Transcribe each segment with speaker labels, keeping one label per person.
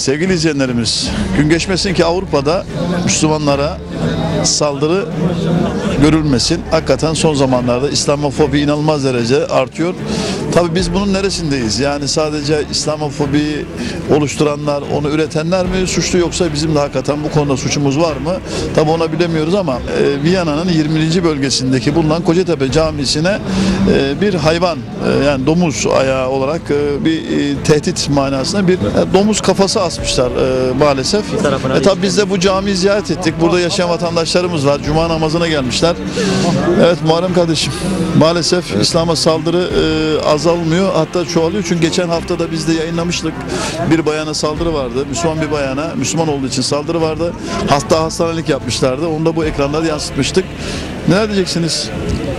Speaker 1: Sevgili izleyenlerimiz, gün geçmesin ki Avrupa'da Müslümanlara saldırı görülmesin. Hakikaten son zamanlarda İslamofobi inanılmaz derece artıyor. Tabii biz bunun neresindeyiz? Yani sadece İslamofobiyi oluşturanlar, onu üretenler mi suçlu, yoksa bizim de hakikaten bu konuda suçumuz var mı? Tabii onu bilemiyoruz ama Viyana'nın 20. bölgesindeki bulunan Kocatepe Camisi'ne bir hayvan, yani domuz ayağı olarak bir tehdit manasında bir domuz kafası asmışlar maalesef. Tabii biz de bu camiyi ziyaret ettik. Burada yaşayan vatandaşlarımız var. Cuma namazına gelmişler. Evet Muharrem kardeşim, maalesef İslam'a saldırı azalmıyor, hatta çoğalıyor. Çünkü geçen hafta da biz de yayınlamıştık. Bir bayana saldırı vardı. Müslüman bir bayana, Müslüman olduğu için saldırı vardı. Hatta hastanelik yapmışlardı. Onu da bu ekranlarda yansıtmıştık. Neler diyeceksiniz?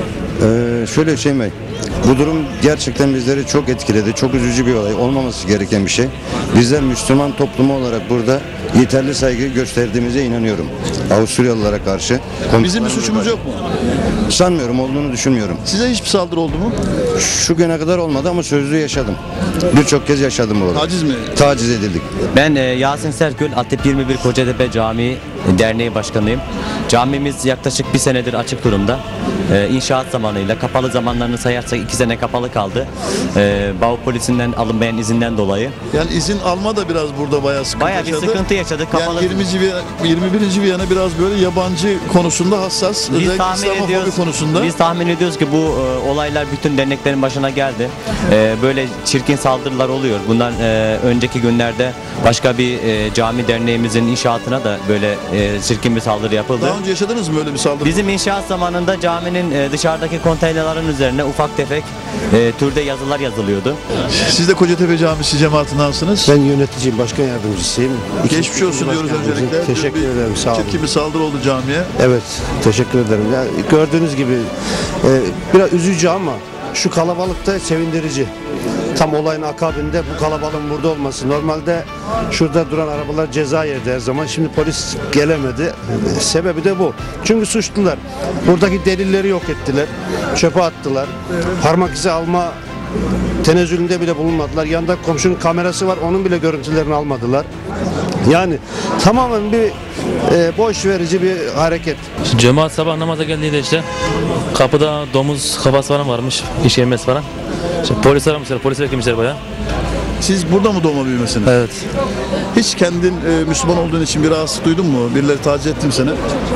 Speaker 2: Şöyle Hüseyin Bey, bu durum gerçekten bizleri çok etkiledi. Çok üzücü bir olay. Olmaması gereken bir şey. Bizler Müslüman toplumu olarak burada yeterli saygı gösterdiğimize inanıyorum. Avusturyalılara karşı.
Speaker 1: Bizim bir suçumuz yok mu?
Speaker 2: Sanmıyorum, olduğunu düşünmüyorum.
Speaker 1: Size hiçbir saldırı oldu mu?
Speaker 2: Şu güne kadar olmadı ama sözlü yaşadım. Birçok kez yaşadım burada.
Speaker 1: Taciz mi?
Speaker 2: Taciz edildik.
Speaker 3: Ben Yasin Serkül, Atep 21 Kocatepe Camii Derneği Başkanıyım. Camimiz yaklaşık bir senedir açık durumda. İnşaat zamanıyla, kapalı zamanlarını sayarsak 2 sene kapalı kaldı. Bağ polisinden alınmayan izinden dolayı.
Speaker 1: Yani izin alma da biraz burada bayağı sıkıntı yaşadı.
Speaker 3: Bayağı bir sıkıntı yaşadık. Kapalı...
Speaker 1: Yani 21. Viyana biraz böyle yabancı konusunda hassas. Özellikle İslamofobi konusunda.
Speaker 3: Biz tahmin ediyoruz ki bu olaylar bütün derneklerin başına geldi. Böyle çirkin saldırılar oluyor. Bundan önceki günlerde başka bir cami derneğimizin inşaatına da böyle çirkin bir saldırı yapıldı.
Speaker 1: Daha önce yaşadınız mı öyle bir saldırı?
Speaker 3: Bizim inşaat zamanında caminin dışarıdaki konteynerlerin üzerine ufak tefek türde yazılar yazılıyordu.
Speaker 1: Siz de Kocatepe Camisi cemaatindensiniz.
Speaker 4: Ben yöneticiyim, başkan yardımcısıyım.
Speaker 1: Geçmiş olsun diyoruz öncelikle.
Speaker 4: Teşekkür ederim, sağ olun.
Speaker 1: Çirkin bir saldırı oldu camiye.
Speaker 4: Evet, teşekkür ederim. Yani gördüğünüz gibi biraz üzücü ama şu kalabalık da sevindirici. Tam olayın akabinde bu kalabalığın burada olması. Normalde şurada duran arabalar ceza yerdi her zaman. Şimdi polis gelemedi. Sebebi de bu. Çünkü suçlular. Buradaki delilleri yok ettiler. Çöpe attılar. Parmak izi alma tenezzülünde bile bulunmadılar. Yanında komşunun kamerası var. Onun bile görüntülerini almadılar. Yani tamamen bir boş verici bir hareket.
Speaker 5: Cemaat sabah namaza geldiğinde işte kapıda domuz kafası falan varmış, işemez falan. İşte polis aramışlar, polis beklemişler bayağı.
Speaker 1: Siz burada mı doğma büyümesiniz?
Speaker 5: Evet.
Speaker 1: Hiç kendin Müslüman olduğun için bir rahatsızlık duydun mu? Birileri taciz etti mi seni?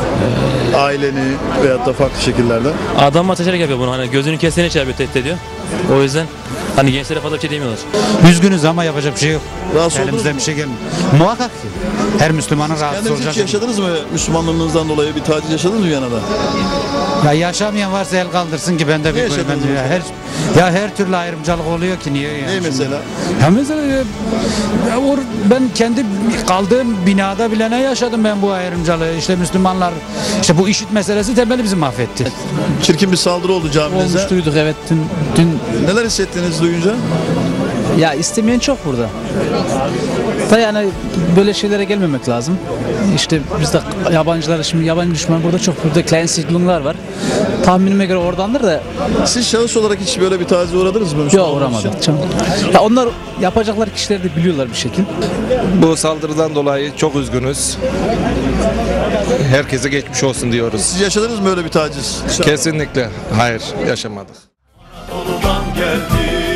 Speaker 1: Aileni veyahut da farklı şekillerde?
Speaker 5: Adam ateşerek yapıyor bunu, hani gözünü kesene şey yapıyor, tehdit ediyor. O yüzden hani gençlere fazla bir şey demiyorlar.
Speaker 6: Üzgünüz ama yapacak bir şey yok.
Speaker 1: Rahatsız oldunuz
Speaker 6: Elimizden
Speaker 1: mu?
Speaker 6: bir şey gelmiyor. Muhakkak ki. Her Müslümanın rahatsız
Speaker 1: Kendiniz
Speaker 6: olacak.
Speaker 1: hiç yaşadınız mı Müslümanlığınızdan dolayı bir taciz yaşadınız mı Viyana'da?
Speaker 6: Ya yaşamayan varsa el kaldırsın ki ben de bir
Speaker 1: yaşadınız
Speaker 6: her türlü ayrımcılık oluyor ki niye yani?
Speaker 1: Ne mesela?
Speaker 6: Ya mesela ben kendi kaldığım binada bile ne yaşadım ben bu ayrımcılığı. İşte Müslümanlar, işte bu IŞİD meselesi temeli bizi mahvetti.
Speaker 1: Çirkin bir saldırı oldu caminize.
Speaker 7: Olmuş duyduk evet dün.
Speaker 1: Neler hissettiniz duyunca?
Speaker 7: Ya istemeyen çok burada. Da yani böyle şeylere gelmemek lazım. İşte bizde yabancılar, şimdi yabancı düşman burada çok, burada klein siedlunglar var. Tahminime göre oradandır da.
Speaker 1: Siz şahıs olarak hiç böyle bir tacize uğradınız mı?
Speaker 7: Yok uğramadım. Ya onlar yapacaklar kişiler de biliyorlar bir şekil.
Speaker 8: Bu saldırıdan dolayı çok üzgünüz. Herkese geçmiş olsun diyoruz.
Speaker 1: Siz yaşadınız mı öyle bir taciz?
Speaker 8: Kesinlikle hayır, yaşamadık.
Speaker 9: Geldi